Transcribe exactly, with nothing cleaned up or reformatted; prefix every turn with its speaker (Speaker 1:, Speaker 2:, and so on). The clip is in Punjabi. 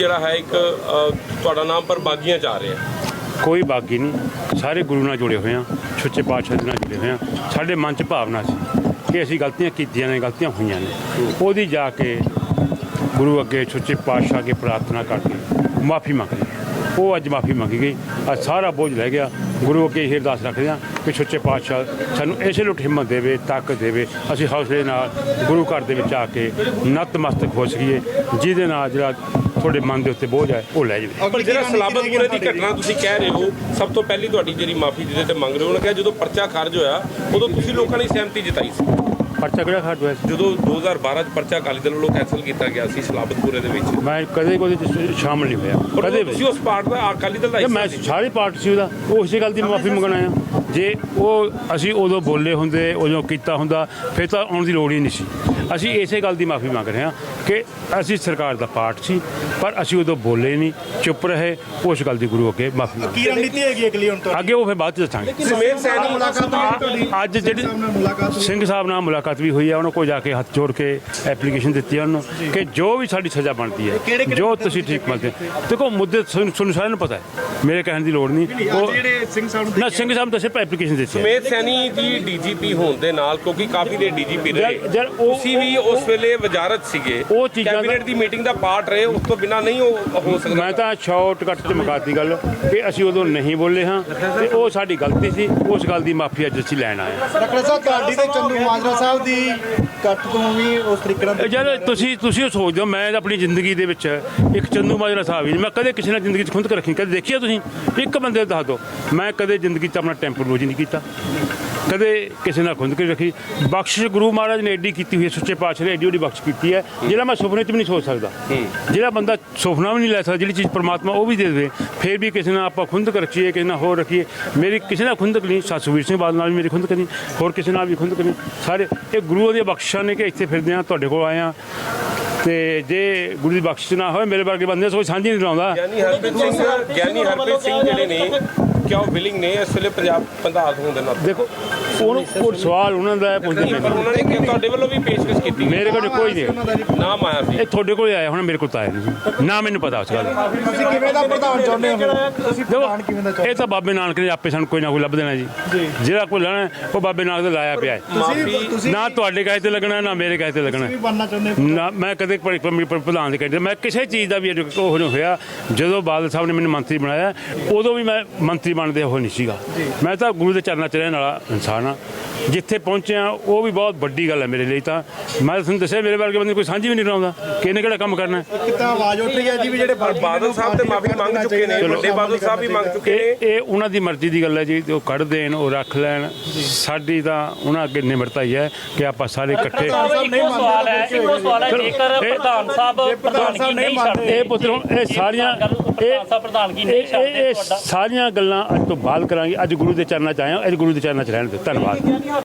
Speaker 1: ਜਿਹੜਾ ਹੈ ਇੱਕ ਤੁਹਾਡਾ ਨਾਮ ਪਰ ਬਾਗੀਆਂ ਚ ਆ ਰਿਹਾ।
Speaker 2: ਕੋਈ ਬਾਗੀ ਨਹੀਂ, ਸਾਰੇ ਗੁਰੂ ਨਾਲ ਜੁੜੇ ਹੋਏ ਹਾਂ, ਸੱਚੇ ਪਾਤਸ਼ਾਹ ਦੇ ਨਾਲ ਜੁੜੇ ਹੋਏ ਹਾਂ। ਸਾਡੇ ਮਨ 'ਚ ਭਾਵਨਾ ਸੀ ਕਿ ਅਸੀਂ ਗਲਤੀਆਂ ਕੀਤੀਆਂ ਨੇ, ਗਲਤੀਆਂ ਹੋਈਆਂ ਨੇ, ਉਹਦੀ ਜਾ ਕੇ ਗੁਰੂ ਅੱਗੇ ਸੱਚੇ ਪਾਤਸ਼ਾਹ ਅੱਗੇ ਪ੍ਰਾਰਥਨਾ ਕਰਕੇ ਮਾफ़ੀ ਮੰਗ ਲਈ। ਉਹ ਅੱਜ ਮਾफ़ੀ ਮੰਗੀ ਗਈ, ਅੱਜ ਸਾਰਾ ਬੋਝ ਲੈ ਗਿਆ। ਗੁਰੂ ਅੱਗੇ ਇਹ ਅਰਦਾਸ ਰੱਖਦੇ ਹਾਂ ਕਿ ਸੱਚੇ ਪਾਤਸ਼ਾਹ ਸਾਨੂੰ ਇਸੇ ਲੁੱਟ ਹਿੰਮਤ ਦੇਵੇ, ਤਾਕਤ ਦੇਵੇ, ਅਸੀਂ ਹੌਸਲੇ ਨਾਲ ਗੁਰੂ ਘਰ ਦੇ ਵਿੱਚ ਆ ਕੇ ਨਤਮਸਤਕ ਹੋ ਸਕੀਏ, ਜਿਹਦੇ ਨਾਲ ਜਿਹੜਾ ਤੁਹਾਡੇ ਮਨ ਦੇ ਉੱਤੇ ਬੋਝ ਹੈ ਉਹ ਲੈ ਜਾਵੇ।
Speaker 1: ਪਰ ਜਿਹੜਾ ਸਲਾਬਤਪੁਰੇ ਦੀ ਘਟਨਾ ਤੁਸੀਂ ਕਹਿ ਰਹੇ ਹੋ, ਸਭ ਤੋਂ ਪਹਿਲੀ ਤੁਹਾਡੀ ਜਿਹੜੀ ਮਾਫ਼ੀ ਜਿਹਦੇ ਤੇ ਮੰਗ ਰਹੇ ਹੋ, ਉਹਨੇ ਕਿਹਾ ਜਦੋਂ ਪਰਚਾ ਖਾਰਜ ਹੋਇਆ ਉਦੋਂ ਤੁਸੀਂ ਲੋਕਾਂ ਨੇ ਸਹਿਮਤੀ ਜਤਾਈ ਸੀ।
Speaker 2: ਪਰਚਾ ਕਿਹੜਾ ਖਾਰਜ ਹੋਇਆ ਸੀ?
Speaker 1: ਜਦੋਂ ਦੋ ਹਜ਼ਾਰ ਬਾਰਾਂ 'ਚ ਪਰਚਾ ਅਕਾਲੀ ਦਲ ਵੱਲੋਂ ਕੈਂਸਲ ਕੀਤਾ ਗਿਆ ਸੀ ਸਲਾਬਤਪੁਰੇ ਦੇ ਵਿੱਚ।
Speaker 2: ਮੈਂ ਕਦੇ ਕੋਈ ਸ਼ਾਮਲ ਨਹੀਂ ਹੋਇਆ, ਕਦੇ ਵੀ।
Speaker 1: ਤੁਸੀਂ ਉਸ ਪਾਰਟ ਦਾ ਅਕਾਲੀ ਦਲ ਦਾ
Speaker 2: ਮੈਂ ਸਾਰੇ ਪਾਰਟ ਸੀ ਉਹਦਾ, ਉਹ ਇਸੇ ਗੱਲ ਦੀ ਮਾਫ਼ੀ ਮੰਗਣ ਆਇਆ। ਜੇ ਉਹ ਅਸੀਂ ਉਦੋਂ ਬੋਲੇ ਹੁੰਦੇ, ਉਦੋਂ ਕੀਤਾ ਹੁੰਦਾ, ਫਿਰ ਤਾਂ ਆਉਣ ਦੀ ਲੋੜ ਹੀ ਨਹੀਂ ਸੀ। ਅਸੀਂ ਇਸੇ ਗੱਲ ਦੀ ਮਾਫ਼ੀ ਮੰਗ ਰਹੇ ਹਾਂ ਕਿ ਅਸੀਂ ਸਰਕਾਰ ਦਾ ਪਾਰਟ ਸੀ, ਪਰ ਅਸੀਂ ਉਦੋਂ ਬੋਲੇ ਨਹੀਂ, ਚੁੱਪ ਰਹੇ। ਉਸ ਗੱਲ ਦੀ ਗੁਰੂ ਅੱਗੇ ਮਾਫ਼ੀ ਮੰਗ।
Speaker 3: ਕੀ ਰਣਨੀਤੀ ਹੈਗੀ ਅਗਲੀ ਹੁਣ ਤੋਂ?
Speaker 2: ਅੱਗੇ ਉਹ ਫਿਰ ਬਾਅਦ 'ਚ ਦੱਸਾਂਗੇ।
Speaker 1: ਸਮੇਤ ਸੈਣੀ ਮੁਲਾਕਾਤ
Speaker 2: ਅੱਜ ਜਿਹੜੀ ਸਿੰਘ ਸਾਹਿਬ ਨਾਲ ਮੁਲਾਕਾਤ ਵੀ ਹੋਈ ਹੈ, ਉਹਨਾਂ ਕੋਲ ਜਾ ਕੇ ਹੱਥ ਜੋੜ ਕੇ ਐਪਲੀਕੇਸ਼ਨ ਦਿੱਤੀ ਹੈ ਉਹਨੂੰ ਕਿ ਜੋ ਵੀ ਸਾਡੀ ਸਜ਼ਾ ਬਣਦੀ ਹੈ, ਜੋ ਤੁਸੀਂ ਠੀਕ ਮੰਨਦੇ। ਦੇਖੋ ਮੁੱਦੇ ਤੁਹਾਨੂੰ ਸਾਰਿਆਂ ਨੂੰ ਪਤਾ ਹੈ, ਮੇਰੇ ਕਹਿਣ ਦੀ ਲੋੜ ਨਹੀਂ। ਉਹ
Speaker 3: ਜਿਹੜੇ ਸਿੰਘ ਸਾਹਿਬ
Speaker 2: ਨਾ ਸਿੰਘ ਸਾਹਿਬ ਦੱਸੇ ਐਪਲੀਕੇਸ਼ਨ ਦਿੱਤੀ ਹੈ।
Speaker 1: ਸਮੇਤ ਸੈਣੀ ਜੀ ਡੀਜੀਪੀ ਹੋਣ ਦੇ ਨਾਲ, ਕਿਉਂਕਿ ਕਾਫੀ ਦੇ ਡੀਜੀਪੀ ਰਹੇ, ਤੁਸੀਂ ਵੀ ਉਸ ਵੇਲੇ ਵਜ਼ਾਰਤ ਸੀਗੇ,
Speaker 2: ਉਹ ਚੀਜ਼ਾਂ
Speaker 1: ਕੈਬਨਿਟ ਦੀ ਮੀਟਿੰਗ ਦਾ ਪਾਰਟ ਰਹੇ, ਉਸ ਤੋਂ ਬਿਨਾਂ ਨਹੀਂ ਉਹ ਹੋ ਸਕਦਾ।
Speaker 2: ਮੈਂ ਤਾਂ ਸ਼ਾਰਟ ਕੱਟ 'ਚ ਮੁਕਾਤੀ ਗੱਲ ਕਿ ਅਸੀਂ ਉਦੋਂ ਨਹੀਂ ਬੋਲੇ ਹਾਂ ਤੇ ਉਹ ਸਾਡੀ ਗਲਤੀ ਸੀ। ਉਸ ਗੱਲ ਦੀ ਮਾਫ਼ੀ ਅੱਜ ਅਸੀਂ ਲੈਣ ਆਏ ਹਾਂ।
Speaker 3: ਡਾਕਟਰ ਸਾਹਿਬ ਤੁਹਾਡੀ ਤੇ ਚੰਦੂ ਮਾਜਰਾ ਸਾਹਿਬ ਦੀ ਕੱਟ ਤੋਂ ਵੀ ਉਸ ਤਰੀਕੇ ਨਾਲ
Speaker 2: ਜਦ ਤੁਸੀਂ ਤੁਸੀਂ ਉਹ ਸੋਚਦੇ ਹੋ, ਮੈਂ ਆਪਣੀ ਜ਼ਿੰਦਗੀ ਦੇ ਵਿੱਚ ਇੱਕ ਚੰਦੂ ਮਾਜਰਾ ਸਾਹਿਬ ਹੀ, ਮੈਂ ਕਦੇ ਕਿਸੇ ਨਾਲ ਜ਼ਿੰਦਗੀ 'ਚ ਖੁੰਦਕ ਰੱਖੀ ਕਦੇ ਦੇਖਿਆ ਤੁਸੀਂ? ਇੱਕ ਬੰਦੇ ਦੱਸ ਦਿਓ। ਮੈਂ ਕਦੇ ਜ਼ਿੰਦਗੀ 'ਚ ਆਪਣਾ ਟੈਂਪਰੋਲੋਜੀ ਨਹੀਂ ਕੀਤਾ, ਕਦੇ ਕਿਸੇ ਨਾਲ ਖੁੰਦਕ ਰੱਖੀ। ਬਖਸ਼ਿਸ਼ ਗੁਰੂ ਮਹਾਰਾਜ ਨੇ ਐਡੀ ਕੀਤੀ ਹੋਈ ਹੈ, ਸੱਚੇ ਪਾਤਸ਼ਾਹ ਨੇ ਐਡੀ ਉਹਦੀ ਬਖਸ਼ ਕੀਤੀ ਹੈ, ਜਿਹੜਾ ਮੈਂ ਸੁਪਨੇ 'ਚ ਵੀ ਨਹੀਂ ਸੋਚ ਸਕਦਾ। ਜਿਹੜਾ ਬੰਦਾ ਸੁਪਨਾ ਵੀ ਨਹੀਂ ਲੈ ਸਕਦਾ, ਜਿਹੜੀ ਚੀਜ਼ ਪਰਮਾਤਮਾ ਉਹ ਵੀ ਦੇ ਦੇਵੇ, ਫਿਰ ਵੀ ਕਿਸੇ ਨਾਲ ਆਪਾਂ ਖੁੰਦਕ ਰੱਖੀਏ, ਕਿਸੇ ਨਾਲ ਹੋਰ ਰੱਖੀਏ। ਮੇਰੀ ਕਿਸੇ ਨਾਲ ਖੁੰਦਕ ਨਹੀਂ, ਸੁਖਬੀਰ ਸਿੰਘ ਬਾਦਲ ਨਾਲ ਵੀ ਮੇਰੀ ਖੁੰਦਕ ਨਹੀਂ, ਹੋਰ ਕਿਸੇ ਨਾਲ ਵੀ ਖੁੰਦਕ ਨਹੀਂ। ਸਾਰੇ ਇਹ ਗੁਰੂ ਦੀਆਂ ਬਖਸ਼ਿਸ਼ਾਂ ਨੇ ਕਿ ਇੱਥੇ ਫਿਰਦੇ ਹਾਂ, ਤੁਹਾਡੇ ਕੋਲ ਆਏ ਹਾਂ। ਤੇ ਜੇ ਗੁਰੂ ਦੀ ਬਖਸ਼ਿਸ਼ ਨਾ ਹੋਵੇ, ਮੇਰੇ ਵਰਗੇ ਬੰਦੇ ਕੋਈ ਸਾਂਝੀ ਨਹੀਂ ਲਾਉਂਦਾ।
Speaker 1: ਗਿਆਨੀ ਹਰਪ੍ਰੀਤ ਸਿੰਘ ਗਿਆਨੀ ਹਰਪ੍ਰੀਤ ਸਿੰਘ ਜਿਹੜੇ ਨੇ, ਕਿਆ ਉਹ ਵਿਲਿੰਗ ਨੇ ਇਸ ਵੇਲੇ ਪੰਜਾਬ ਪ੍ਰਧਾਨ ਹੋਣ ਦੇ ਨਾਲ? ਦੇਖੋ
Speaker 2: ਉਹਨੂੰ ਕੋਈ ਸਵਾਲ ਉਹਨਾਂ ਦਾ ਪੁੱਛਦੇ ਨੇ,
Speaker 1: ਪਰ ਉਹਨਾਂ ਨੇ ਕਿਹਾ ਤੁਹਾਡੇ ਵੱਲੋਂ ਵੀ ਪੇਸ਼ਕਸ਼ ਕੀਤੀ।
Speaker 2: ਮੇਰੇ ਕੋਲ ਕੋਈ ਨਹੀਂ
Speaker 1: ਨਾਮ ਆਇਆ ਸੀ,
Speaker 2: ਇਹ ਤੁਹਾਡੇ ਕੋਲ ਆਇਆ ਹੁਣ, ਮੇਰੇ ਕੋਲ ਤਾਂ ਆਇਆ ਨਹੀਂ ਨਾ, ਮੈਨੂੰ ਪਤਾ ਉਸ ਗੱਲ ਦਾ।
Speaker 3: ਤੁਸੀਂ ਕਿਵੇਂ ਦਾ ਪ੍ਰਧਾਨ ਚਾਹੁੰਦੇ ਹੋ? ਤੁਸੀਂ ਪ੍ਰਧਾਨ ਕਿਵੇਂ ਦਾ ਚਾਹੁੰਦੇ?
Speaker 2: ਇਹ ਤਾਂ ਬਾਬੇ ਨਾਨਕ ਨੇ ਆਪੇ ਸਾਨੂੰ ਕੋਈ ਨਾ ਕੋਈ ਲੱਭ ਦੇਣਾ ਜੀ। ਜਿਹੜਾ ਕੋਈ ਲੈਣਾ ਉਹ ਬਾਬੇ ਨਾਨਕ ਦਾ ਲਾਇਆ ਪਿਆ ਹੈ।
Speaker 3: ਤੁਸੀਂ
Speaker 2: ਨਾ ਤੁਹਾਡੇ ਕਹੇ ਤੇ ਲੱਗਣਾ, ਨਾ ਮੇਰੇ ਕਹੇ ਤੇ ਲੱਗਣਾ।
Speaker 3: ਵੀ ਬਣਨਾ ਚਾਹੁੰਦੇ ਹੋ?
Speaker 2: ਨਾ ਮੈਂ ਕਦੇ ਪ੍ਰਧਾਨ ਦੇ ਕਹਿੰਦੇ, ਮੈਂ ਕਿਸੇ ਚੀਜ਼ ਦਾ ਵੀ ਉਹ ਨਹੀਂ ਹੋਇਆ। ਜਦੋਂ ਬਾਦਲ ਸਾਹਿਬ ਨੇ ਮੈਨੂੰ ਮੰਤਰੀ ਬਣਾਇਆ, ਉਦੋਂ ਵੀ ਮੈਂ ਮੰਤਰੀ ਬਣਦੇ ਉਹ ਨਹੀਂ ਸੀਗਾ। ਮੈਂ ਤਾਂ ਗੁਰੂ ਦੇ ਚਰਨਾਂ 'ਚ ਰਹਿਣ ਵਾਲਾ ਇਨਸਾਨ ਹਾਂ। ਜਿੱਥੇ ਪਹੁੰਚਿਆ ਉਹ ਵੀ ਬਹੁਤ ਵੱਡੀ ਗੱਲ ਹੈ ਮੇਰੇ ਲਈ। ਤਾਂ ਮੈਂ ਤੁਹਾਨੂੰ ਦੱਸਿਆ, ਮੇਰੇ ਵਰਗੇ ਬੰਦੇ ਕੋਈ ਸਾਂਝੀ ਵੀ ਨਹੀਂ ਲਾਉਂਦਾ ਕਿ ਇਹਨੇ ਕਿਹੜਾ ਕੰਮ ਕਰਨਾ।
Speaker 3: ਕਿਤਾ ਆਵਾਜ਼ ਉੱਠ ਰਹੀ ਹੈ ਜੀ ਵੀ ਜਿਹੜੇ
Speaker 1: ਬਾਦਲ ਸਾਹਿਬ ਤੇ ਮਾਫੀ ਮੰਗ ਚੁੱਕੇ ਨੇ, ਵੱਡੇ ਬਾਦਲ ਸਾਹਿਬ ਵੀ ਮੰਗ ਚੁੱਕੇ ਨੇ।
Speaker 2: ਇਹ ਉਹਨਾਂ ਦੀ ਮਰਜ਼ੀ ਦੀ ਗੱਲ ਹੈ ਜੀ, ਉਹ ਕੱਢ ਦੇਣ, ਉਹ ਰੱਖ ਲੈਣ। ਸਾਡੀ ਤਾਂ ਉਹਨਾਂ ਅੱਗੇ ਨਿਮਰਤਾ ਹੀ ਹੈ ਕਿ ਆਪਾਂ ਸਾਰੇ ਇਕੱਠੇ।
Speaker 4: ਇੱਕੋ ਸਵਾਲ ਹੈ, ਇੱਕੋ ਸਵਾਲ ਹੈ, ਜੇਕਰ ਪ੍ਰਧਾਨ ਸਾਹਿਬ ਪ੍ਰਧਾਨਗੀ ਨਹੀਂ ਛੱਡਦੇ,
Speaker 2: ਇਹ ਪੁੱਤਰੋਂ ਇਹ ਸਾਰੀਆਂ
Speaker 4: ਪ੍ਰਧਾਨ ਸਾਹਿਬ ਪ੍ਰਧਾਨਗੀ ਨਹੀਂ ਛੱਡਦੇ,
Speaker 2: ਇਹ ਸਾਰੀਆਂ ਗੱਲਾਂ ਅੱਜ ਤੋਂ ਬਾਅਦ ਕਰਾਂਗੇ। ਅੱਜ ਗੁਰੂ ਦੇ ਚਰਨਾਂ 'ਚ ਆਏ ਹਾਂ, ਅੱਜ ਗੁਰੂ ਦੇ ਚਰਨਾਂ 'ਚ ਰਹਿਣ ਦਿਓ। ਧੰਨਵਾਦ।